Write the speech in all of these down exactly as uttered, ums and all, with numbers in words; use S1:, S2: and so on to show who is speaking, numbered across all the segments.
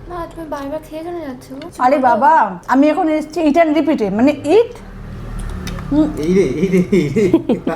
S1: না তুমি বারবার খেয়ে কেন যাচ্ছো?
S2: আরে বাবা আমি এখন এসেছি ইট অ্যান্ড রিপিটে, মানে ইট
S3: এই রে এই রে এই রে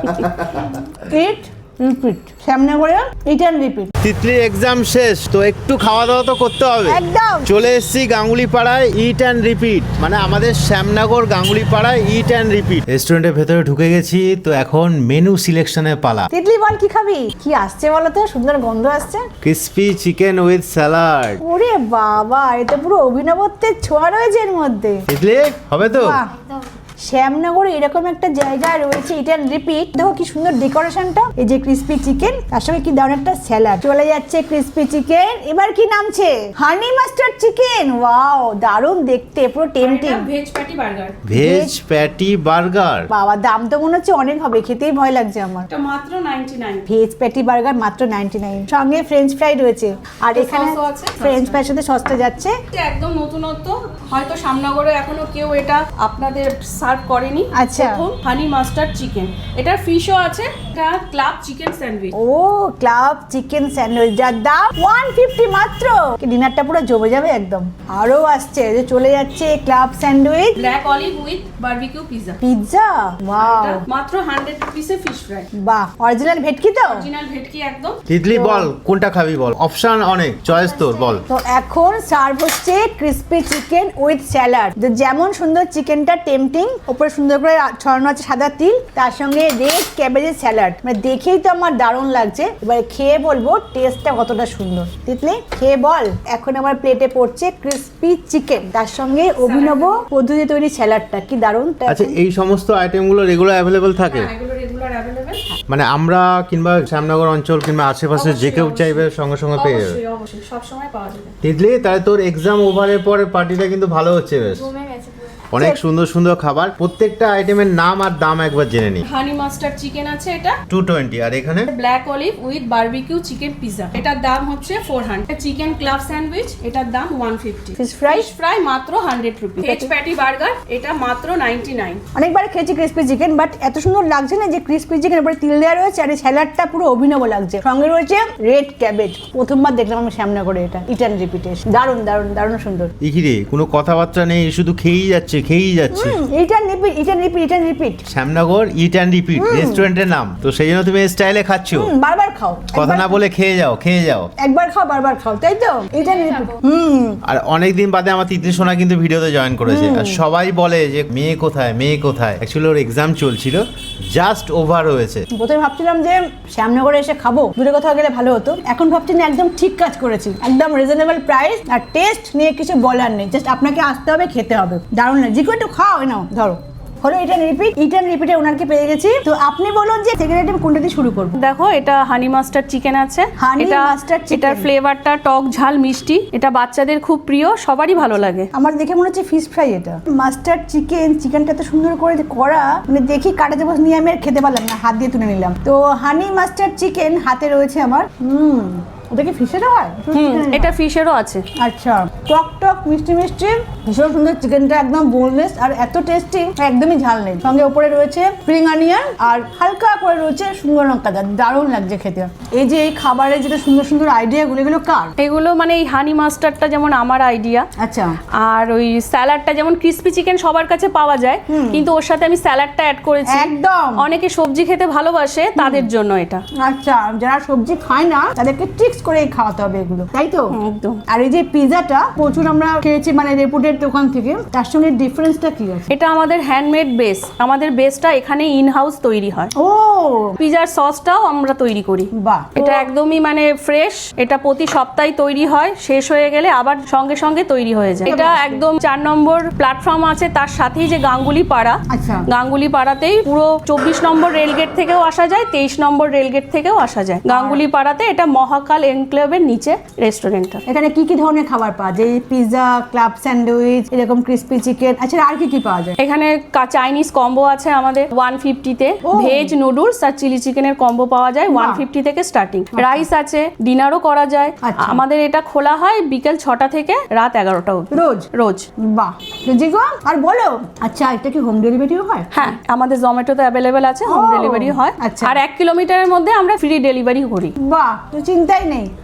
S2: ইট রিপিট, সামনে করে ইট অ্যান্ড রিপিট।
S3: তিতলির এক্সাম শেষ তো একটু খাওয়া দাওয়া তো করতে হবে।
S2: একদম
S3: চলে এসেছি গাঙ্গুলি পাড়ায় ইট অ্যান্ড রিপিট, মানে আমাদের শ্যামনগর গাঙ্গুলি পাড়ায় ইট অ্যান্ড রিপিট রেস্টুরেন্টের ভেতরে ঢুকে গেছি। তো এখন মেনু সিলেকশনের পালা।
S2: তিতলি বল কি খাবি? কি আসছে বলো তো, সুন্দর গন্ধ আসছে।
S3: Crispy chicken with salad.
S2: ওরে বাবা এটা পুরো অভিনবত্বের ছোঁয়া রয়েছে এর মধ্যে।
S3: তিতলি হবে তো?
S2: বাহ, শ্যামনগরে এরকম একটা জায়গা রয়েছে ইট অ্যান্ড রিপিট। দেখো কি সুন্দর ডেকোরেশনটা, এই যে ক্রিসপি চিকেন, তার সঙ্গে কি দারুণ একটা স্যালাড। চলে যাচ্ছে ক্রিসপি চিকেন, এবার কি নামছে হানি মাস্টার্ড চিকেন। ওয়াও দারুণ দেখতে, পুরো tempting.
S4: Veg patty burger.
S3: Veg patty burger.
S2: বাবা দাম তো মনে হচ্ছে অনেক হবে, খেতেই ভয় লাগছে আমার।
S4: এটা মাত্র ninety nine.
S2: Veg patty burger মাত্র নাইনটি নাইন, সঙ্গে ফ্রেঞ্চ ফ্রাই রয়েছে। আর
S4: তো
S2: এখানে
S4: সসও আছে।
S2: ফ্রেঞ্চ ফ্রাইয়ের সাথে সসটা যাচ্ছে।
S4: এটা একদম নতুনত্ব, হয়তো শ্যামনগরে এখনো কেউ এটা আপনাদের সার্ভ করেনি।
S2: আচ্ছা।
S4: প্রথম হানি মাস্টার্ড চিকেন, এটার ফিশও আছে। এটা ক্লাব চিকেন স্যান্ডউইচ।
S2: ও ক্লাব চিকেন স্যান্ডউইচ, যার দাম ওয়ান ফিফটি মাত্র। ডিনারটা পুরো জমে যাবে একদম। আরো আসছে, যে চলে যাচ্ছে club sandwich,
S4: black olive with barbecue pizza.
S2: Pizza. Wow
S4: মাত্র হান্ড্রেড রুপিসে ফিশ ফ্রাই।
S2: বাহ, অরিজিনাল ভেটকি তো?
S4: অরিজিনাল ভেটকি একদম।
S3: তিতলি বল কোনটা খাবি বল, অপশন অনেক, চয়েস তোর বল।
S2: তো এখন সার্ভ হচ্ছে ক্রিসপি চিকেন উইথ স্যালাড। যেমন সুন্দর চিকেনটা টেম্পটিং, উপরে সুন্দর করে ছড়ানো আছে সাদা তিল, তার সঙ্গে রেড ক্যাবেজের স্যালাড। মানে দেখেই তো আমার দারুণ লাগছে। এবারে খেয়ে বলবো টেস্টটা কতটা সুন্দর। তিতলি খেয়ে বল। এখন আমার প্লেটে পড়ছে ক্রিসপি চিকেন, তার সঙ্গে অভিনব পদ্ধতি তৈরি স্যালাডটা, কি দারুণ।
S3: আচ্ছা এই সমস্ত আইটেমগুলো রেগুলার অ্যাভেলেবল থাকে?
S4: হ্যাঁ, এগুলো রেগুলার অ্যাভেলেবেল।
S3: মানে আমরা কিংবা শ্যামনগর অঞ্চল কিংবা আশেপাশে যে কেউ চাইবে সঙ্গে সঙ্গে পেয়ে যাবে?
S4: অবশ্যই অবশ্যই সব সময় পাওয়া যাবে।
S3: তিতলি তাহলে তোর এক্সাম ওভারের পরে পার্টিটা কিন্তু ভালো হচ্ছে বেশ।
S1: জমে গেছে পুরো।
S3: অনেক সুন্দর সুন্দর খাবার, প্রত্যেকটা আইটেমের নাম আর দাম একবার জেনে নি।
S4: হানি মাস্টার্ড চিকেন আছে এটা
S3: টু টোয়েন্টি, আর এখানে
S4: black olive with barbecue chicken pizza, এটার দাম হচ্ছে four hundred. Chicken club sandwich, এটার দাম one fifty.
S2: Fish fry
S4: fish fry মাত্র hundred rupee. Veg patty burger, এটা মাত্র নাইনটি নাইন।
S2: অনেকবার খেয়েছি ক্রিসপি চিকেন, বাট এত সুন্দর লাগছে না যে ক্রিসপি চিকেন উপরে তিল দেওয়া রয়েছে, আর এই স্যালাডটা পুরো অভিনব লাগছে। সঙ্গে রয়েছে রেড ক্যাবেজ। প্রথমবার দেখলাম আমি শ্যামনগরে এটা ইট অ্যান্ড রিপিটে। দারুণ দারুণ দারুণ সুন্দর।
S3: ইকিরে কোনো কথাবার্তা নেই, শুধু খেয়েই যাচ্ছে খেয়েই যাচ্ছে।
S2: Eat and repeat, eat and repeat, eat and repeat.
S3: Shyamnagar eat and repeat রেস্টুরেন্টের নাম, তো সেই জন্য তুমি স্টাইলে খাচ্ছ।
S2: বারবার খাও,
S3: কথা
S2: একবার-
S3: না বলে খেয়ে যাও খেয়ে যাও।
S2: একবার খাও বারবার খাও, তাই তো? ইট অ্যান্ড রিপিট। হুম
S3: আর অনেকদিন বাদে আমার তিতলি সোনা কিন্তু ভিডিওতে জয়েন করেছে, আর সবাই বলে যে মেয়ে কোথায় মেয়ে কোথায়। অ্যাকচুয়ালি ওর এক্সাম চলছিল, জাস্ট ওভার হয়েছে।
S2: প্রথমে ভাবছিলাম যে শ্যামনগরে এসে খাবো, দূরে কোথাও গেলে ভালো হতো। এখন ভাবছি না, একদম ঠিক কাজ করেছি। একদম রিজনেবল প্রাইস, আর টেস্ট নিয়ে কিছু বলার নেই। জাস্ট আপনাকে আসতে হবে, খেতে হবে। দারুণ লাগে। যে কেউ একটু খাও, নাও ধরো। হলো eat and repeat. Eat and রিপিটে ওনারকে পেয়ে গেছি। তো আপনি বলুন যে সেকেন্ড আইটেম কোনটা দিয়ে শুরু করবো?
S4: দেখো এটা হানি মাস্টার্ড চিকেন আছে।
S2: Honey
S4: এটা
S2: mustard chicken।
S4: এটার ফ্লেভারটা টক ঝাল মিষ্টি, এটা বাচ্চাদের খুব প্রিয়, সবারই ভালো লাগে।
S2: আমার দেখে মনে হচ্ছে ফিশ ফ্রাই এটা। মাস্টার্ড চিকেন, চিকেনটা তো সুন্দর করে যে করা, মানে দেখি কাটাতে বসে নিয়ে আমি আর খেতে পারলাম না, হাত দিয়ে তুলে নিলাম। তো হানি মাস্টার্ড চিকেন হাতে রয়েছে আমার। হুম ওটা কি ফিশেরও হয়?
S4: হুম এটা ফিশেরও আছে।
S2: আচ্ছা, টক টক মিষ্টি মিষ্টি, ভীষণ সুন্দর। চিকেনটা একদম বোনলেস আর এত টেস্টি, একদমই ঝাল নেই। সঙ্গে উপরে রয়েছে স্প্রিং অনিয়ন আর হালকা করে রয়েছে শুকনো লঙ্কা। দারুণ লাগছে খেতে। এই যে এই খাবারের যেটা সুন্দর সুন্দর আইডিয়াগুলো, এগুলো কার?
S4: এগুলো মানে এই হানি মাস্টার্ডটা যেমন আমার আইডিয়া,
S2: আচ্ছা।
S4: আর ওই স্যালাডটা যেমন ক্রিসপি চিকেন সবার কাছে পাওয়া যায়, কিন্তু ওর সাথে আমি স্যালাডটা অ্যাড করেছি।
S2: একদম।
S4: অনেকে সবজি খেতে ভালোবাসে, তাদের জন্য এটা।
S2: আচ্ছা, যারা সবজি খায় না তাদেরকে ট্রিক্স করে খাওয়াতে হবে এগুলো, তাই তো?
S4: একদম।
S2: আর এই যে পিজাটা প্রচুর আমরা খেয়েছি মানে রেপুটেড দোকান থেকে, তার সঙ্গে ডিফারেন্সটা কি আছে?
S4: এটা আমাদের হ্যান্ডমেড বেস, আমাদের বেসটা এখানে ইন হাউস তৈরি হয়।
S2: ও
S4: পিজার সসটাও আমরা তৈরি করি।
S2: বাহ।
S4: এটা একদমই মানে ফ্রেশ, এটা প্রতি সপ্তাহে তৈরি হয়, শেষ হয়ে গেলে আবার সঙ্গে সঙ্গে তৈরি হয়ে যায়। এটা একদম চার নম্বর প্ল্যাটফর্ম আছে, তার সাথেই যে গাঙ্গুলি পাড়া,
S2: আচ্ছা।
S4: গাঙ্গুলি পাড়াতেই পুরো চব্বিশ নম্বর রেলগেট থেকেও আসা যায়, তেইশ নম্বর রেলগেট থেকেও আসা যায়। গাঙ্গুলি পাড়াতে এটা মহাকাল এনক্লেভের নিচে রেস্টুরেন্টটা।
S2: এখানে কি কি ধরনের খাবার পাওয়া যায়? পিজা, ক্লাব স্যান্ডউইচ, এরকম ক্রিসপি চিকেন, আচ্ছা আর কি কি পাওয়া যায়?
S4: এখানে চাইনিজ কম্বো আছে আমাদের ওয়ান ফিফটিতে,
S2: ও।
S4: ভেজ নুডলস আর চিলি চিকেনের কম্বো পাওয়া যায় ওয়ান ফিফটি থেকে স্টার্টিং। রাইস আছে, ডিনারও করা যায়।
S2: আচ্ছা।
S4: আমাদের এটা খোলা হয় বিকেল ছটা থেকে রাত এগারোটা অবধি
S2: রোজ?
S4: রোজ।
S2: বাহ, জি গো। আর বলো, আচ্ছা এটা কি হোম ডেলিভারিও হয়?
S4: হ্যাঁ আমাদের জোম্যাটোতে অ্যাভেলেবেল আছে, হোম
S2: ও,
S4: ডেলিভারি হয়।
S2: আচ্ছা।
S4: আর এক কিলোমিটারের মধ্যে আমরা ফ্রি ডেলিভারি করি।
S2: বাহ, তো চিন্তাই নেই।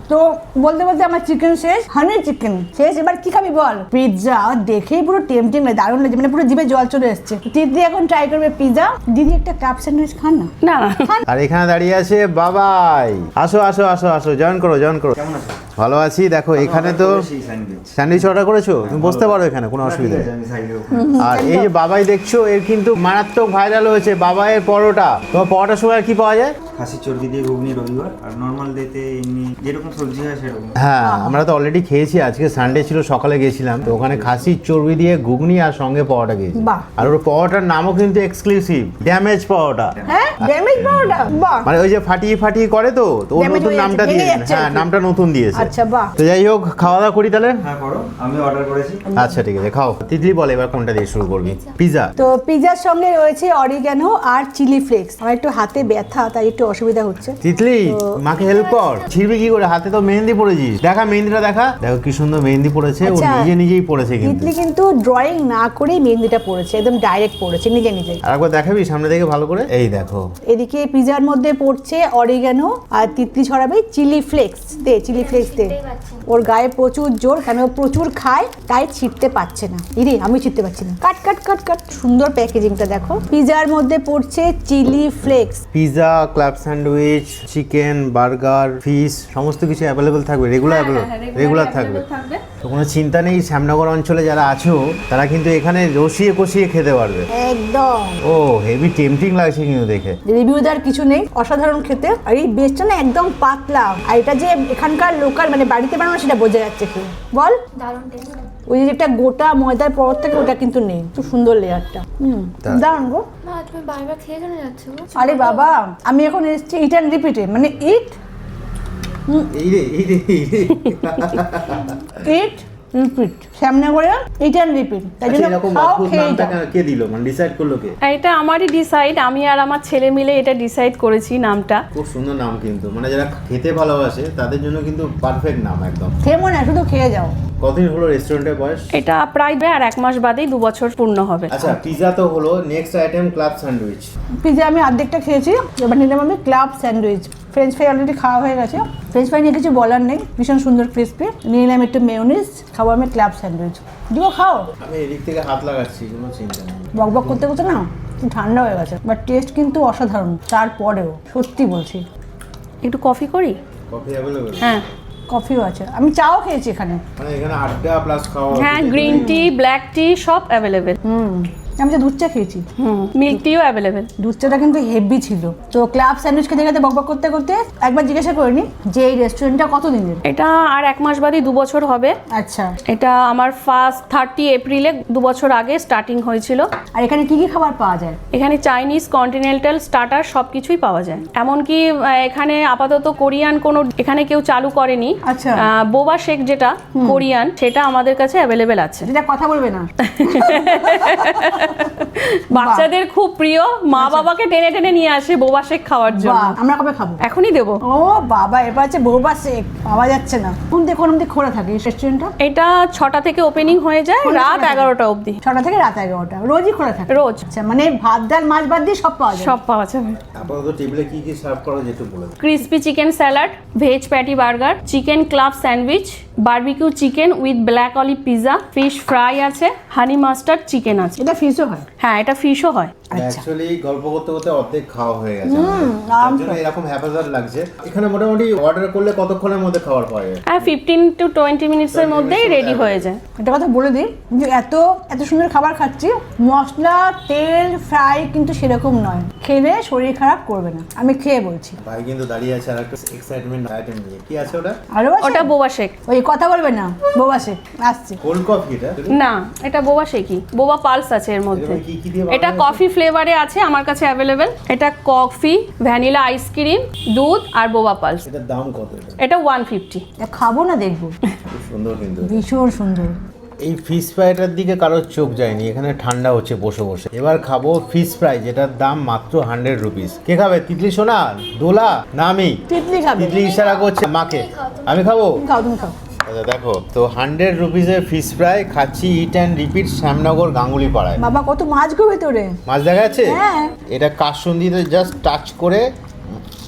S2: তো বলতে বলতে আমার চিকেন শেষ, হানি চিকেন শেষ। এবার কি খাবি বল? পিৎজা। দেখেই পুরো টেম্পটিং লাগে, দারুণ লাগে, মানে পুরো জিভে জল চলে এসছে। দিদি এখন ট্রাই করবে পিৎজা। দিদি একটা কাপ স্যান্ডউইচ খান না।
S4: না
S3: আর এখানে দাঁড়িয়ে আছে বাবাই। আসো আসো আসো আসো, জয়েন করো জয়েন করো।
S5: কেমন আছো?
S3: ভালো আছি। দেখো এখানে তো স্যান্ডউইচ অর্ডার করেছো, তুমি বসতে পারো এখানে, কোনো অসুবিধা নেই।
S5: আমি সাইডে
S3: আর এই যে বাবাই দেখছো, এর কিন্তু মারাত্মক ভাইরাল হয়েছে বাবাইয়ের পরোটা। তোমার পরোটার সময় আর কি পাওয়া যায়?
S5: খাসির চর্বি দিয়ে ঘুগনি রবিবার, আর নর্মাল ডেতে এমনি যেরকম সবজি হয় সেরকম।
S3: হ্যাঁ, আমরা তো অলরেডি খেয়েছি, আজকে সানডে ছিল, সকালে গেছিলাম তো ওখানে খাসির চর্বি দিয়ে ঘুগনি আর সঙ্গে পরোটা খেয়েছি।
S2: বাহ।
S3: আর ওর পরোটার নামও কিন্তু এক্সক্লুসিভ, ড্যামেজ পরোটা।
S2: হ্যাঁ, ড্যামেজ পাউডার। বাহ।
S3: মানে ওই যে ফাটিয়ে ফাটিয়ে করে তো, তো ওর
S2: Damage
S3: নতুন
S2: হয়ে
S3: নামটা
S2: যাচ্ছে,
S3: দিয়ে,
S2: ভেঙে যাচ্ছে
S3: হ্যাঁ
S2: আর কি।
S3: নামটা নতুন দিয়েছে।
S2: আচ্ছা, বাহ।
S3: তো যাই হোক, খাওয়া দাওয়া করি তাহলে।
S5: হ্যাঁ করো, আমি অর্ডার করেছি।
S3: আচ্ছা ঠিক আছে, খাও। তিতলি বলে এবার কোনটা দিয়ে শুরু করবি? পিৎজা।
S2: তো পিৎজার সঙ্গে রয়েছে অরিগ্যানো আর চিলি ফ্লেক্স। আমার একটু হাতে ব্যথা, তাই একটু অসুবিধা হচ্ছে।
S3: তিতলি মাকে হেল্প কর। ছিড়বি কি করে? হাতে তো মেহেন্দি পড়েছিস, দেখা মেহেন্দিটা দেখা। দেখো কি সুন্দর মেহেন্দি পড়েছে, ও
S2: আচ্ছা,
S3: নিজে নিজেই পড়েছে কিন্তু।
S2: তিতলি কিন্তু ড্রয়িং না করেই মেহেন্দিটা পড়েছে, একদম ডাইরেক্ট পড়েছে নিজে নিজেই।
S3: আরেকবার দেখাবি সামনে থেকে ভালো করে? এই দেখো,
S2: এদিকে পিৎজার মধ্যে পড়ছে অরিগ্যানো আর তিতলি ছড়াবে চিলি ফ্লেক্স। দে চিলি ফ্লেক্স দে।
S1: ছিটতেই পারছি না।
S2: ওর গায়ে প্রচুর জোর, কেন ও প্রচুর খায় তাই ছিটতে পারছে না। ইরে আমি ছিটতে পারছি না। কাট কাট কাট কাট। সুন্দর প্যাকেজিংটা দেখো। পিৎজার মধ্যে পড়ছে chilli flakes.
S3: Pizza, club sandwich, chicken, burger, fish সমস্ত কিছু অ্যাভেলেবেল থাকবে, রেগুলার রেগুলার থাকবে। তো কোনো চিন্তা নেই, শ্যামনগর অঞ্চলে যারা আছো তারা কিন্তু এখানে রসিয়ে কষিয়ে খেতে পারবে।
S2: একদম।
S3: ও হেভি টেম্পটিং লাগছে কিন্তু দেখে।
S2: রিভিউ দেওয়ার কিছু নেই, অসাধারণ খেতে। আর এই বেসটা না একদম পাতলা, আর এটা যে এখানকার লোকাল মানে বাড়িতে বানানো সেটা বোঝা যাচ্ছে কি বল।
S1: দারুণ টেস্ট।
S2: ওই যে যেটা গোটা ময়দার পর থেকে ওটা কিন্তু নেই। খুব সুন্দর লেয়ারটা। হুম,
S3: তা-
S2: দারুণ গো।
S1: মা তুমি বারবার খেয়ে কেন যাচ্ছ গো?
S2: আরে বাবা, আমি এখন এসেছি ইট অ্যান্ড রিপিটে, মানে ইট
S3: এই রে এই রে এই রে।
S2: Eat repeat. শ্যামনগরে ইট অ্যান্ড রিপিট, তাই
S3: আচ্ছা,
S2: জন্য
S3: এরকম
S2: খাও,
S3: অদ্ভুত
S2: খেয়ে
S3: নামটা
S2: যাও।
S3: কেন- কে দিল, মানে ডিসাইড করলো কে?
S4: এটা আমারই ডিসাইড, আমি আর আমার ছেলে মিলে এটা ডিসাইড করেছি নামটা।
S3: খুব সুন্দর নাম কিন্তু, মানে যারা খেতে ভালোবাসে তাদের জন্য কিন্তু পারফেক্ট নাম একদম।
S2: খেয়ে মনে হয় শুধু খেয়ে যাও।
S3: কতদিন হলো রেস্টুরেন্টের বয়স?
S4: এটা প্রায় আর এক মাস বাদেই দু বছর পূর্ণ হবে।
S3: আচ্ছা, পিৎজা তো হলো, next item club sandwich.
S2: Pizza আমি অর্ধেকটা খেয়েছি, এবার নিলাম আমি club sandwich. French fry already খাওয়া হয়ে গেছে। ফ্রেঞ্চ ফ্রাই নিয়ে কিছু বলার নেই, ভীষণ সুন্দর ক্রিসপি। নিয়ে নিলাম একটু মেয়োনিজ, খাবো আমি ক্লাব স্যান্ডউইচ। দিব খাও।
S3: আমি এদিক থেকে হাত লাগাচ্ছি, কোনো চিন্তা নেই।
S2: বক বক করতে করতে না একটু ঠান্ডা হয়ে গেছে, বাট টেস্ট কিন্তু অসাধারণ। তারপরেও সত্যি বলছি।
S4: একটু কফি করি?
S3: Coffee available?
S4: হ্যাঁ
S2: কফিও আছে, আমি চাও খেয়েছি এখানে।
S3: মানে এখানে আড্ডা প্লাস খাওয়া।
S4: হ্যাঁ, গ্রিন টি, ব্ল্যাক টি সব অ্যাভেলেবেল।
S2: হুম, আমি তো দুধ চা খেয়েছি।
S4: হুম, মিল্ক টিও অ্যাভেলেবেল।
S2: দুধ চাটা কিন্তু হেভি ছিল। তো ক্লাব স্যান্ডউইচ খেতে খেতে বক বক করতে করতে একবার জিজ্ঞাসা করিনি যে এই রেস্টুরেন্টটা কত দিনের।
S4: এটা আর এক মাস বাদেই দু বছর হবে।
S2: আচ্ছা,
S4: এটা আমার ফার্স্ট থার্টি এপ্রিলে দু বছর আগে স্টার্টিং হয়েছিল।
S2: আর এখানে কি কি খাবার পাওয়া যায়?
S4: এখানে চাইনিজ, কন্টিনেন্টাল, স্টার্টার সব কিছুই পাওয়া যায়। এমনকি আহ, এখানে আপাতত কোরিয়ান কোনো এখানে কেউ চালু করেনি।
S2: আচ্ছা।
S4: আহ, বোবা শেক যেটা কোরিয়ান, সেটা আমাদের কাছে অ্যাভেলেবেল আছে।
S2: যেটা কথা বলবে না।
S4: বাচ্চাদের খুব প্রিয়, মা বাবাকে টেনে টেনে নিয়ে আসে বোবা শেক খাওয়ার জন্য।
S2: বাহ, আমরা কবে খাবো?
S4: এখনই দেবো।
S2: ও বাবা, এবার হচ্ছে বৌবা শেক পাওয়া যাচ্ছে না। কোন থেকে কোন অব্দি খোলা থাকে এই রেস্টুরেন্টটা?
S4: এটা ছটা থেকে ওপেনিং হয়ে যায়
S2: কোন
S4: রাত
S2: সময়?
S4: এগারোটা অবধি।
S2: ছটা থেকে রাত এগারোটা রোজই খোলা থাকে?
S4: রোজ।
S2: আচ্ছা, মানে ভাত ডাল মাছ বাদ দিয়ে সব পাওয়া যায়?
S4: সব পাওয়া যাবে।
S3: আপাতত টেবিলে কি কি সার্ভ করা যেটা বলে দাও।
S4: Crispy chicken salad, veg patty burger, chicken club sandwich, barbecue chicken with black olive pizza, fish fry আছে, হানি মাস্টার্ড চিকেন আছে।
S2: এটা ফিশও হয়?
S4: হ্যাঁ, এটা ফিশও হয়।
S2: আচ্ছা।
S3: অ্যাকচুয়ালি গল্প করতে করতে অর্ধেক খাওয়া হয়ে গেছে
S2: হুম,
S3: আমাদের। তার
S2: আরামসে।
S3: জন্য এরকম হ্যাপাজার লাগছে। এখানে মোটামুটি অর্ডার করলে কতক্ষণের মধ্যে খাবার পাওয়া যায়?
S4: হ্যাঁ, ফিফটিন টু টোয়েন্টি মিনিটসের মধ্যেই রেডি হয়ে যায়।
S2: একটা কথা বলে দিই যে এত এত সুন্দর খাবার খাচ্ছি, মশলা তেল ফ্রাই কিন্তু সেরকম নয়, খেলে শরীর খারাপ করবে না, আমি খেয়ে বলছি।
S3: ভাই কিন্তু দাঁড়িয়ে আছে আর একটা এক্সাইটমেন্ট আইটেম নিয়ে। কি আছে ওটা?
S2: আরো আছে?
S4: ওটা বোবা শেক।
S2: ওই কথা বলবে না, বোবা শেক আসছে।
S3: কোল্ড কফি এটা?
S4: না, এটা বোবা শেকই। বোবা পালস আছে এর মধ্যে।
S3: এরকম কি কি দিয়ে বানানো
S4: এটা
S3: হয়েছে?
S4: কফি ফ্লেভারে আছে আমার কাছে অ্যাভেলেবেল। এটা কফি, ভ্যানিলা আইসক্রিম, দুধ আর বোবা পালস।
S3: এটার দাম কত এটা?
S4: এটা ওয়ান ফিফটি।
S2: এটা খাবো না, দেখবো।
S3: খুব সুন্দর কিন্তু।
S2: ভীষণ সুন্দর।
S3: এই ফিশ ফ্রাইটার দিকে কারোর চোখ যায়নি, এখানে ঠান্ডা হচ্ছে বসে বসে। এবার খাবো ফিশ ফ্রাই, যেটার দাম মাত্র হান্ড্রেড রুপিস। কে খাবে? তিতলি সোনা, দোলা না আমি?
S2: তিতলি খাবে।
S3: তিতলি ইশারা করছে মাকে। আমি খাবো?
S2: তুমি খাও, তুমি খাও।
S3: আচ্ছা দেখো তো, হান্ড্রেড রুপিসের ফিশ ফ্রাই খাচ্ছি, eat and repeat Shyamnagar Ganguly পাড়ায়।
S2: বাবা কত মাছ গো ভেতরে।
S3: মাছ দেখা যাচ্ছে?
S2: হ্যাঁ।
S3: এটা কাসুন্দিতে জাস্ট টাচ করে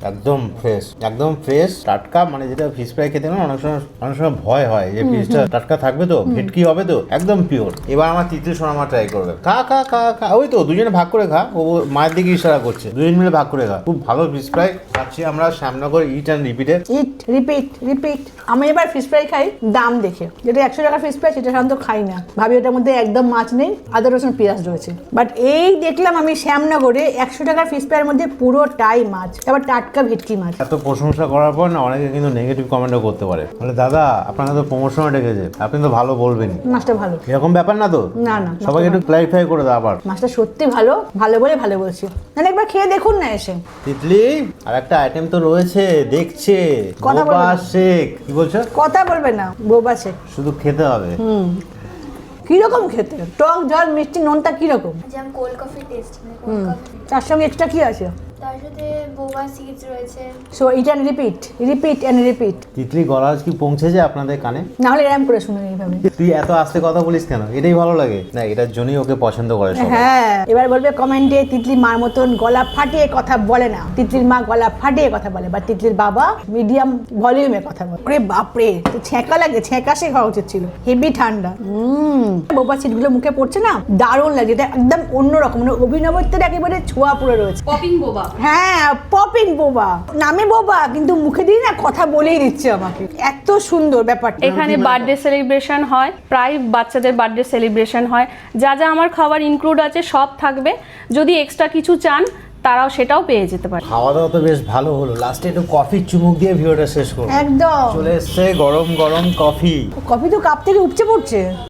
S3: একদম ফ্রেশ, একদম ফ্রেশ টাটকা। মানে যেটা ফিশ ফ্রাই খেতে গেলে অনেক সময় অনেক সময় ভয় হয় যে ফিশটা টাটকা থাকবে তো, ভেটকি হবে তো, একদম পিওর। এবার আমার তিতলি সোনা মা ট্রাই করবে। খা খা খা খা, ওই তো দুজনে ভাগ করে খা, ও মায়ের দিকে ইশারা করছে, দুজন মিলে ভাগ করে খা। খুব ভালো ফিশ ফ্রাই খাচ্ছি আমরা শ্যামনগর ইট অ্যান্ড রিপিটে।
S2: Eat repeat repeat. আমি এবার ফিশ ফ্রাই খাই দাম দেখে, যেটা একশো টাকা ফিশ ফ্রাই সেটা সাধারণত খাই না, ভাবি ওটার মধ্যে একদম মাছ নেই, আদা রসুন পেঁয়াজ রয়েছে। বাট এই দেখলাম আমি শ্যামনগরে একশো টাকার ফিশ ফ্রাইয়ের মধ্যে পুরোটাই মাছ, আবার টাটকা ভেটকি মাছ।
S3: এত প্রশংসা করার পর না অনেকে কিন্তু নেগেটিভ কমেন্টও করতে পারে, বলে দাদা আপনাকে তো প্রমোশনে ডেকেছে, আপনি তো ভালো বলবেনই।
S2: মাছটা ভালো,
S3: এরকম ব্যাপার না তো?
S2: না না,
S3: সবাইকে একটু ক্লারিফাই করে দাও আবার।
S2: মাছটা সত্যি ভালো, ভালো বলে ভালো বলছি, মানে একবার খেয়ে দেখুন না এসে।
S3: তিতলি আর একটা আইটেম তো রয়েছে দেখছে,
S2: কথা বলবে
S3: বোবা
S2: না।
S3: শেক। কি বলছো?
S2: কথা বলবে না, বোবা সে।
S3: শুধু খেতে হবে।
S2: কিরকম খেতে? টক ঝাল মিষ্টি নোনতা কিরকম?
S1: যেমন কোল্ড কফি টেস্ট, মানে কোল্ড কফি।
S2: তার সঙ্গে এক্সট্রা কি আছে?
S1: তার সাথে বোবা সিডস রয়েছে।
S2: So eat and repeat, repeat and repeat.
S3: Titli গলাজ কি পৌঁছেছে আপনাদের কানে?
S2: না হলে এরম করে শুনুন এইভাবে।
S3: তুই এত আস্তে কথা বলিস কেন? এটাই ভালো লাগে না, এটার জন্যই ওকে পছন্দ করে সবাই।
S2: হ্যাঁ, এবার বলবে কমেন্টে তিতলি মার মতন গলা ফাটিয়ে কথা বলে না, তিতলির মা গলা ফাটিয়ে কথা বলে, বা তিতলির বাবা মিডিয়াম ভলিউমে কথা বলে। ওরে বাপরে, তো ছ্যাঁকা লাগে, ছ্যাঁকা সে খাওয়া উচিত ছিল, হেভি ঠান্ডা। হুম, বোবা সিটগুলো মুখে পড়ছে না, দারুণ লাগে, এটা একদম অন্যরকম, মানে অভিনবত্বের একেবারে ছোঁয়া পুরো রয়েছে।
S4: পপিং বোবা।
S2: হ্যাঁ, পপিং বোবা, নামে বোবা কিন্তু মুখে দিয়ে না কথা বলেই দিচ্ছে আমাকে, এত সুন্দর ব্যাপারটা।
S4: এখানে বার্থডে সেলিব্রেশন হয়, প্রায় বাচ্চাদের বার্থডে সেলিব্রেশন হয়, যা যা আমার খাবার ইনক্লুড আছে সব থাকবে। যদি এক্সট্রা কিছু চান তারাও সেটাও পেয়ে যেতে পারে।
S3: খাওয়া দাওয়া তো বেশ ভালো হলো, লাস্টে একটু কফির চুমুক দিয়ে ভিডিওটা শেষ করবো।
S2: একদম
S3: চলে এসছে গরম গরম কফি।
S2: কফি তো কাপ থেকে উপচে পড়ছে।